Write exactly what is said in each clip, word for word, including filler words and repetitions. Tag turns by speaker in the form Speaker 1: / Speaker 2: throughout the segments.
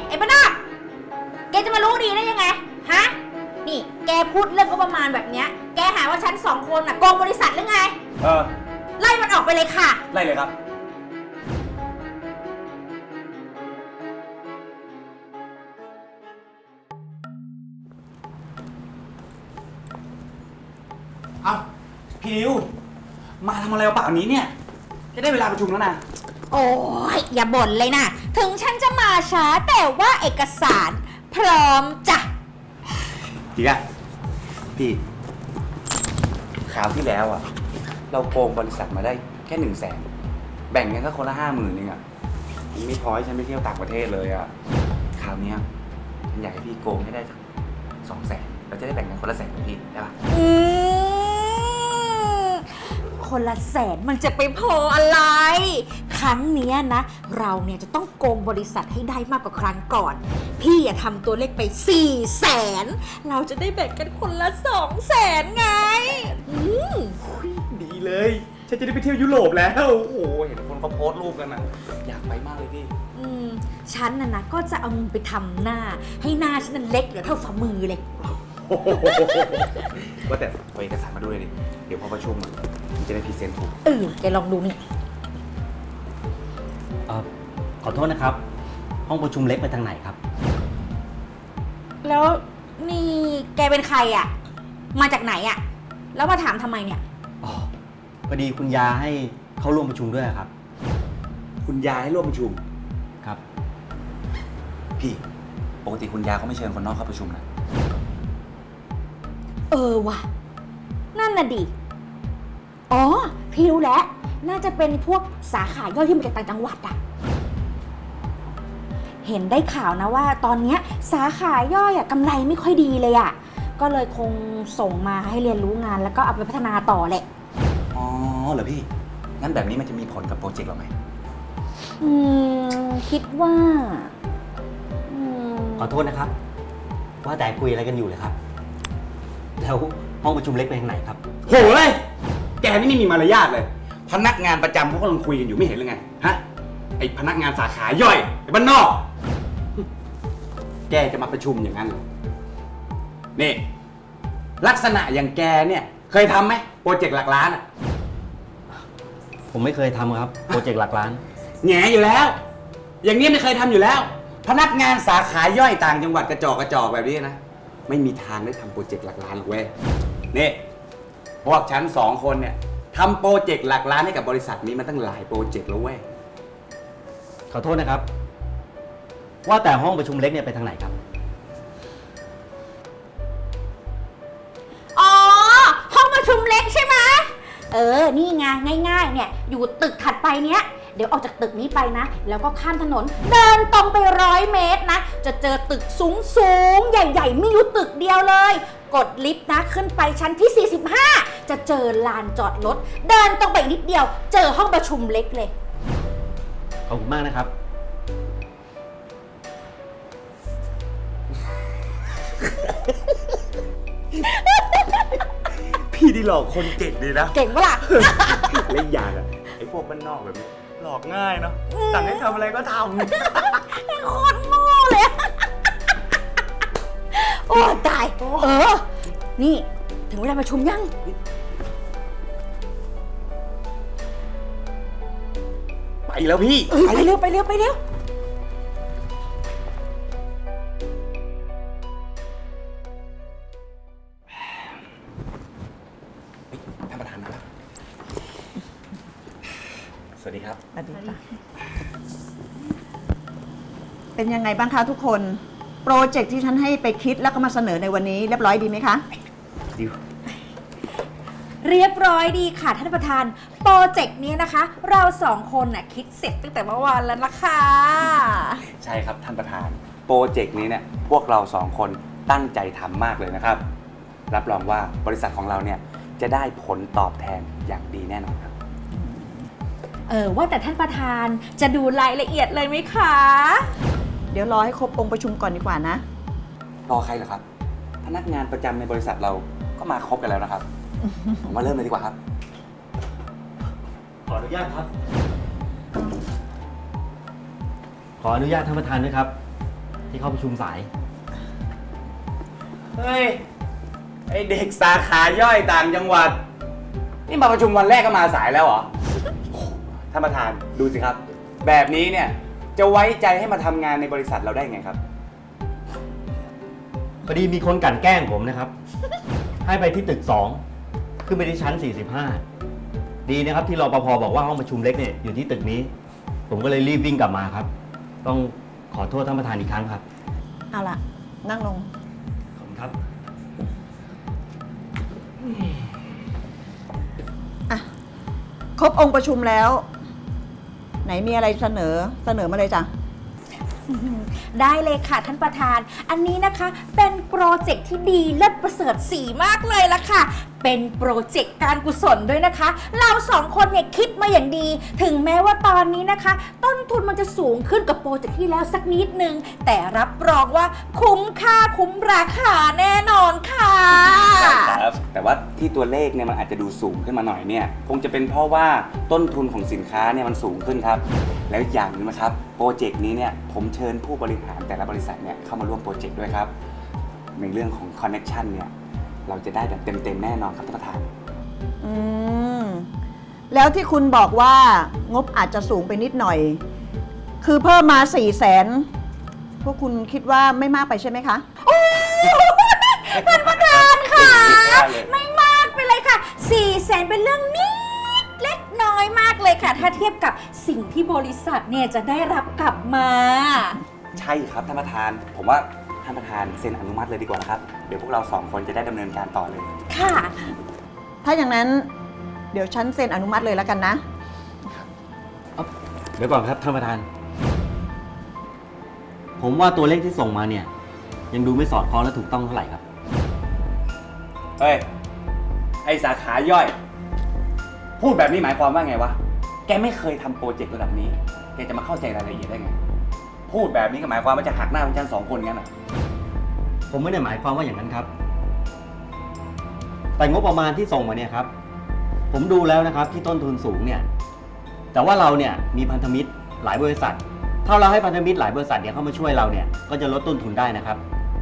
Speaker 1: ไอ้บ้านาแกจะมารู้ดีได้ยังไงฮะนี่แกพูดเรื่องก็ประมาณแบบเนี้ยแกหาว่าฉันสองคนน่ะโกงบริษัทหรือไง
Speaker 2: เออ
Speaker 1: ไล่มันออกไปเลยค่ะ
Speaker 2: ไล่เลยครับเอาพี่ดิวมาทำอะไรเอาป่านนี้เนี่ยจะได้เวลาประชุมแล้วนะ
Speaker 1: โอ้ยอย่าบ่นเลยนะถึงฉันจะมาช้าแต่ว่าเอกสารพร้อมจ้ะ
Speaker 2: จริงอะพี่คราวที่แล้วอะเราโกงบริษัทมาได้แค่หนึ่งแสนแบ่งกันก็คนละห้าหมื่นเองอะมันไม่พอให้ฉันไปเที่ยวต่างประเทศเลยอะคราวนี้ฉันอยากให้พี่โกงให้ได้สองแสนเราจะได้แบ่งกันคนละแสนเลยพี่ได้ปะ
Speaker 1: อืมคนละแสนมันจะไปพออะไรครั้งนี้นะเราเนี่ยจะต้องโกงบริษัทให้ได้มากกว่าครั้งก่อนพี่อย่าทำตัวเลขไปสี่แสนเราจะได้แบ่งกันคนละสองแสนไงอืม
Speaker 2: ดีเลยฉันจะได้ไปเที่ยวยุโรปแล้วโอ้โหเห็นคนเขาโพสต์รูปกันนะอยากไปมากเลยพี่
Speaker 1: อืมฉันน่ะนะก็จะเอามึงไปทำหน้าให้หน้าฉันนั้นเล็กเหลือเท่าฝ่ามือเลย
Speaker 2: ว่าแต่เอาเอกสารมาด้วยดิเดี๋ยวพอประชุมมันจะได้พรีเซนต์ถูก
Speaker 1: เออแกลองดูนี่
Speaker 3: ขอโทษนะครับห้องประชุมเล็กไปทางไหนครับ
Speaker 1: แล้วนี่แกเป็นใครอ่ะมาจากไหนอ่ะแล้วมาถามทำไมเนี่ย
Speaker 3: อ๋อพอดีคุณยาให้เข้าร่วมประชุมด้วยครับ
Speaker 2: คุณยาให้ร่วมประชุม
Speaker 3: ครับ
Speaker 2: พี่ปกติคุณยาเขาไม่เชิญคนนอกเข้าประชุมนะ
Speaker 1: เออว่ะนั่นน่ะดิอ๋อพี่รู้แล้วน่าจะเป็นพวกสาขาย่อยที่มาจากต่างจังหวัดอะเห็นได้ข่าวนะว่าตอนนี้สาขาย่อยอะกำไรไม่ค่อยดีเลยอะก็เลยคงส่งมาให้เรียนรู้งานแล้วก็เอาไปพัฒนาต่อแหละ
Speaker 2: อ๋อเหรอพี่งั้นแบบนี้มันจะมีผลกับโปรเจกต์เราไหม
Speaker 1: อืมคิดว่า
Speaker 3: ขอโทษนะครับว่าแต่คุยอะไรกันอยู่เลยครับแล้วห้องประชุมเล็กไปทางไหนครับ
Speaker 2: โหยแกนี่ไม่มีมารยาทเลยพนักงานประจำเขากำลังคุยกันอยู่ไม่เห็นหรือไงฮะไอพนักงานสาขาย่อยไอบ้านนอกแกจะมาประชุมอย่างนั้นเหรอนี่ลักษณะอย่างแกเนี่ยเคยทำไหมโปรเจกต์หลักล้านอ่ะ
Speaker 3: ผมไม่เคยทำครับโปรเจกต์หลักล้าน
Speaker 2: แง่อยู่แล้วอย่างนี้ไม่เคยทำอยู่แล้วพนักงานสาขาย่อยต่างจังหวัดกระจอกกระจอกแบบนี้นะไม่มีทางได้ทำโปรเจกต์หลักล้านหรอกเว้ยนี่พวกฉันสองคนเนี่ยทำโปรเจกต์หลักล้านให้กับบริษัทนี้มาตั้งหลายโปรเจกต์แล้วเว้ย
Speaker 3: ขอโทษนะครับว่าแต่ห้องประชุมเล็กเนี่ยไปทางไหนครับ
Speaker 1: อ๋อห้องประชุมเล็กใช่ไหมเออนี่ไงง่ายๆเนี่ยอยู่ตึกถัดไปเนี้ยเดี๋ยวออกจากตึกนี้ไปนะแล้วก็ข้ามถนนเดินตรงไปร้อยเมตรนะจะเจอตึกสูงสูงใหญ่ๆมีอยู่ตึกเดียวเลยกดลิฟต์นะขึ้นไปชั้นที่สี่สิบห้าจะเจอลานจอดรถเดินตรงไปนิดเดียวเจอห้องประชุมเล็กเลย
Speaker 3: ขอบคุณมากนะครับ
Speaker 2: พี่ดีหลอกคนเก่งดีนะ
Speaker 1: เก่งปะล่ะ
Speaker 2: เล่นยากอะไอ้พวกบ้านนอกแบบนี้หลอกง่ายเนาะสั่งให้ทำอะไรก็ท
Speaker 1: ำโคตรโง่เลยโอ้ตายเออนี่ถึงเวลาประชุมยัง
Speaker 2: ไปแล้วพี่
Speaker 1: ไปเร็วไปเร็วไปเร็ว
Speaker 2: ท่านประธานนะครับสวัสดีครับ
Speaker 4: สวัสดีค่ะเป็นยังไงบ้างคะทุกคนโปรเจกต์ที่ฉันให้ไปคิดแล้วก็มาเสนอในวันนี้เรียบร้อยดีไหมคะ
Speaker 2: ดี
Speaker 1: เรียบร้อยดีค่ะท่านประธานโปรเจกต์นี้นะคะเราสองคนน่ะคิดเสร็จตั้งแต่เมื่อวานแล้วนะคะ
Speaker 2: ใช่ครับท่านประธานโปรเจกต์นี้เนี่ยพวกเราสองคนตั้งใจทำมากเลยนะครับรับรองว่าบริษัทของเราเนี่ยจะได้ผลตอบแทนอย่างดีแน่นอนครับ
Speaker 1: เออว่าแต่ท่านประธานจะดูรายละเอียดเลยไหมคะ
Speaker 4: เดี๋ยวรอให้ครบองค์ประชุมก่อนดีกว่านะ
Speaker 2: รอใครเหรอครับพนักงานประจำในบริษัทเราก็มาครบกันแล้วนะครับ ผมมาเริ่มเลยดีกว่าครับ
Speaker 3: ขออนุญาตครับขออนุญาตท่านประธานด้วยครับที่เข้าประชุมสาย
Speaker 2: เฮ้ย ไอเด็กสาขาย่อยต่างจังหวัด นี่มาประชุมวันแรกก็มาสายแล้วเหรอ ท่านประธานดูสิครับ แบบนี้เนี่ยจะไว้ใจให้มาทำงานในบริษัทเราได้ไงครับ
Speaker 3: พอดีมีคนกลั่นแกล้งผมนะครับ ให้ไปที่ตึกสองขึ้นไปที่ชั้นสี่สิบห้าดีนะครับที่รปภบอกว่าห้องประชุมเล็กเนี่ยอยู่ที่ตึกนี้ ผมก็เลยรีบวิ่งกลับมาครับ ต้องขอโทษท่านประธานอีกครั้งครับ
Speaker 4: เอาล่ะ นั่งลง
Speaker 3: ขอบคุณครับ
Speaker 4: อ่ะ ครบองค์ประชุมแล้ว ไหนมีอะไรเสนอ เสนอมาเลยจ้ะ
Speaker 1: ได้เลยค่ะท่านประธาน อันนี้นะคะเป็นโปรเจกต์ที่ดีเลิศประเสริฐสีมากเลยละค่ะ เป็นโปรเจกต์การกุศลด้วยนะคะ เราสองคนเนี่ยคิดมาอย่างดี ถึงแม้ว่าตอนนี้นะคะ ต้นทุนมันจะสูงขึ้นกับโปรเจกต์ที่แล้วสักนิดนึง แต่รับรองว่าคุ้มค่าคุ้มราคาแน่นอนค่ะ
Speaker 2: ครับแต่ว่าที่ตัวเลขเนี่ยมันอาจจะดูสูงขึ้นมาหน่อยเนี่ยคงจะเป็นเพราะว่าต้นทุนของสินค้าเนี่ยมันสูงขึ้นครับแล้วอย่างหนึงนะครับโปรเจกต์นี้เนี่ยผมเชิญผู้บริหารแต่ละบริษัทเนี่ยเข้ามาร่วมโปรเจกต์ด้วยครับในเรื่องของคอนเน c ชันเนี่ยเราจะได้แบบเต็มๆแน่นอนครับท่านประธาน
Speaker 4: อืม แล้วที่คุณบอกว่างบอาจจะสูงไปนิดหน่อย คือเพิ่มมาสี่แสนพวกคุณคิดว่าไม่มากไปใช่ไหมคะ
Speaker 1: ท่านประธานค่ะ
Speaker 2: ได้เลย
Speaker 1: ไม่มากไปเลยค่ะสี่แสนเป็นเรื่องนิดเล็กน้อยมากเลยค่ะ ถ้าเทียบกับสิ่งที่บริษัทเนี่ยจะได้รับกลับมา
Speaker 2: ใช่ครับท่านประธาน ผมว่าท่านประธานเซ็นอนุมัติเลยดีกว่านะครับเดี๋ยวพวกเราสองคนจะได้ดำเนินการต่อเลย
Speaker 1: ค่ะ
Speaker 4: ถ้าอย่างนั้น เดี๋ยวฉันเซ็นอนุมัติเลยแล้วกันนะ
Speaker 3: เดี๋ยวก่อนครับท่านประธาน ผมว่าตัวเลขที่ส่งมาเนี่ย ยังดูไม่สอดคล้องและถูกต้องเท่าไหร่ครับ
Speaker 2: เฮ้ย ไอสาขาย่อย พูดแบบนี้หมายความว่าไงวะ แกไม่เคยทำโปรเจกต์ระดับนี้ แกจะมาเข้าใจรายละเอียดได้ไง พูดแบบนี้ก็หมายความว่าจะหักหน้าพวกฉันสองคนงั้นอ่ะ
Speaker 3: ผมไม่ได้หมายความว่าอย่างนั้นครับ แต่งบประมาณที่ส่งมาเนี่ยครับ ผมดูแล้วนะครับที่ต้นทุนสูงเนี่ย แต่ว่าเราเนี่ยมีพันธมิตรหลายบริษัท ถ้าเราให้พันธมิตรหลายบริษัทเนี่ยเข้ามาช่วยเราเนี่ย ก็จะลดต้นทุนได้นะครับ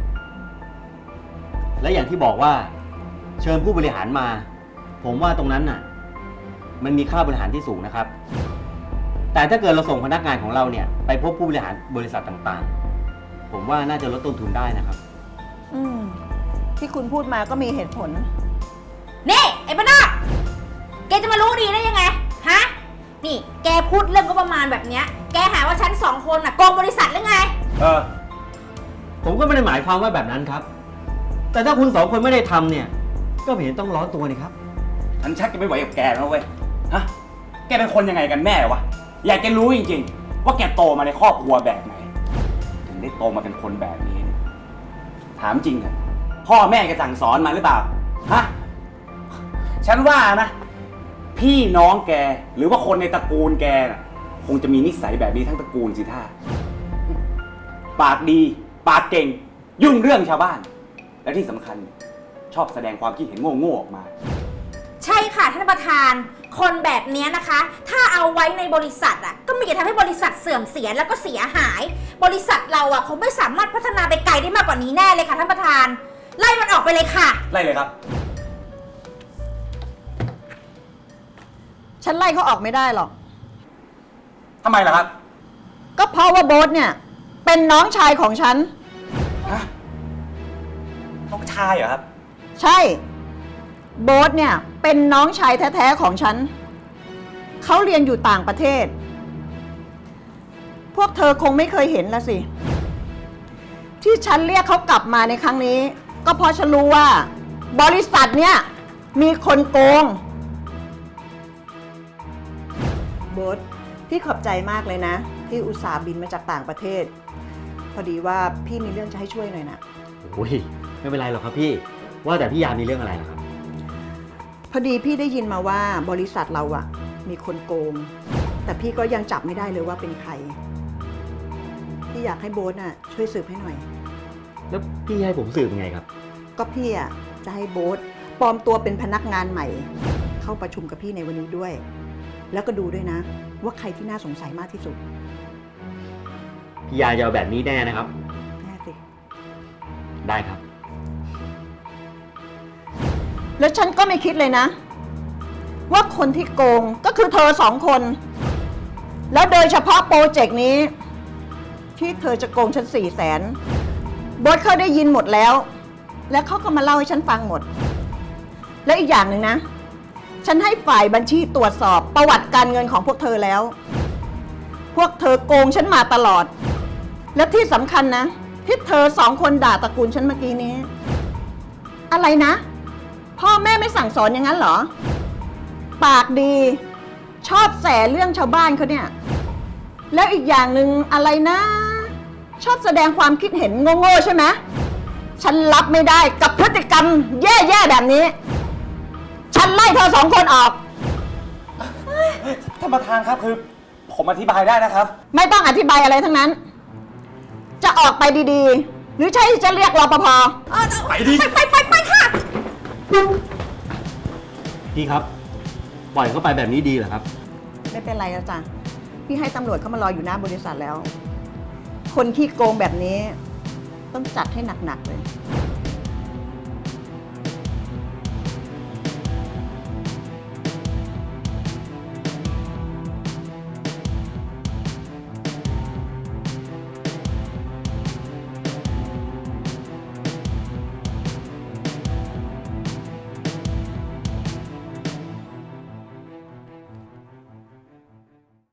Speaker 3: และอย่างที่บอกว่าเชิญผู้บริหารมา ผมว่าตรงนั้นน่ะ มันมีค่าบริหารที่สูงนะครับ แต่ถ้าเกิดเราส่งพนักงานของเราเนี่ยไปพบผู้บริหารบริษัทต่างๆ ผมว่าน่าจะลดต้นทุนได้นะครับ
Speaker 4: อืม ที่คุณพูดมาก็มีเหตุผล
Speaker 1: นี่ ไอ้บ้านนอกแกจะมารู้ดีได้ยังไง ฮะ นี่ แกพูดเรื่องก็ประมาณแบบเนี้ย แกหาว่าฉันสองคนน่ะโกงบริษัทหรือไง
Speaker 2: เออ
Speaker 3: ผมก็ไม่ได้หมายความว่าแบบนั้นครับ แต่ถ้าคุณสองคนไม่ได้ทำเนี่ย ก็ไม่เห็นต้องร้อนตัวนี่ครับ
Speaker 2: ฉันชักจะไม่ไหวกับแกแล้วเว้ย ฮะ แกเป็นคนยังไงกันแน่วะ อยากจะรู้จริงๆ ว่าแกโตมาในครอบครัวแบบไหน ถึงได้โตมาเป็นคนแบบนี้เนี่ยถามจริงเถอะพ่อแม่แกสั่งสอนมาหรือเปล่า ฮะ ฉันว่านะ พี่น้องแกหรือว่าคนในตระกูลแกน่ะคงจะมีนิสัยแบบนี้ทั้งตระกูลสิท่า ปากดี ปากเก่ง ยุ่งเรื่องชาวบ้าน และที่สำคัญชอบแสดงความคิดเห็นโง่ๆออกมา
Speaker 1: ใช่ค่ะท่านประธาน คนแบบเนี้ยนะคะ ถ้าเอาไว้ในบริษัทอ่ะ ก็มีแต่ทำให้บริษัทเสื่อมเสียแล้วก็เสียหาย บริษัทเราอ่ะคงไม่สามารถพัฒนาไปไกลได้มากกว่านี้แน่เลยค่ะท่านประธาน ไล่มันออกไปเลยค่ะ
Speaker 2: ไล่เลยครับ
Speaker 4: ฉันไล่เขาออกไม่ได้หรอก
Speaker 2: ทำไมล่ะครับ
Speaker 4: ก็เพราะว่าโบ๊ทเนี่ย เป็นน้องชายของฉัน
Speaker 2: ฮะ น้องชายเหรอครับ
Speaker 4: ใช่ โบ๊ทเนี่ย เป็นน้องชายแท้ ๆ ของฉัน เขาเรียนอยู่ต่างประเทศ พวกเธอคงไม่เคยเห็นละสิ ที่ฉันเรียกเขากลับมาในครั้งนี้ ก็เพราะฉันรู้ว่า บริษัทเนี่ย มีคนโกง โบ๊ทพี่ขอบใจมากเลยนะ ที่อุตส่าห์บินมาจากต่างประเทศ พอดีว่าพี่มีเรื่องจะให้ช่วยหน่อยนะ
Speaker 3: โอ้ยไม่เป็นไรหรอกครับพี่ ว่าแต่พี่ยามีเรื่องอะไรเหรอครับ
Speaker 4: พอดีพี่ได้ยินมาว่าบริษัทเราอะมีคนโกง แต่พี่ก็ยังจับไม่ได้เลยว่าเป็นใคร พี่อยากให้โบ๊ทน่ะช่วยสืบให้หน่อย
Speaker 3: แล้วพี่ให้ผมสืบยังไงครับ
Speaker 4: ก็พี่อะจะให้โบ๊ทปลอมตัวเป็นพนักงานใหม่ เข้าประชุมกับพี่ในวันนี้ด้วย แล้วก็ดูด้วยนะ ว่าใครที่น่าสงสัยมากที่สุด
Speaker 3: พี่ยาจะเอาแบบนี้แน่นะครับ
Speaker 4: แ
Speaker 3: ได้ครับ
Speaker 4: แล้วฉันก็ไม่คิดเลยนะ ว่าคนที่โกงก็คือเธอสองคน แล้วโดยเฉพาะโปรเจกต์นี้ ที่เธอจะโกงฉันสี่แสนบอสเขาได้ยินหมดแล้ว และเขาก็มาเล่าให้ฉันฟังหมด และอีกอย่างหนึ่งนะ ฉันให้ฝ่ายบัญชีตรวจสอบประวัติการเงินของพวกเธอแล้ว พวกเธอโกงฉันมาตลอด และที่สำคัญนะ ที่เธอสองคนด่าตระกูลฉันเมื่อกี้นี้ อะไรนะ พ่อแม่ไม่สั่งสอนอย่างนั้นเหรอ ปากดี ชอบแสเรื่องชาวบ้านเขาเนี่ย แล้วอีกอย่างหนึ่งอะไรนะ ชอบแสดงความคิดเห็นโง่ๆใช่ไหมฉันรับไม่ได้กับพฤติกรรมแย่ๆแบบนี้ ฉันไล่เธอสองคนออก
Speaker 2: ท่านประธานครับคือ ผมอธิบายได้นะครับ
Speaker 4: ไม่ต้องอธิบายอะไรทั้งนั้น จะออกไปดีๆ หรือใช่จะเรียกรปภ
Speaker 2: ไปดิ
Speaker 1: ไปไปไปค่ะ
Speaker 3: พี่ครับ ปล่อยเข้าไปแบบนี้ดีเหรอครับ
Speaker 4: ไม่เป็นไรแล้วจ้ะพี่ให้ตำรวจเข้ามารออยู่หน้าบริษัทแล้ว คนที่โกงแบบนี้ ต้องจัดให้หนักๆเลย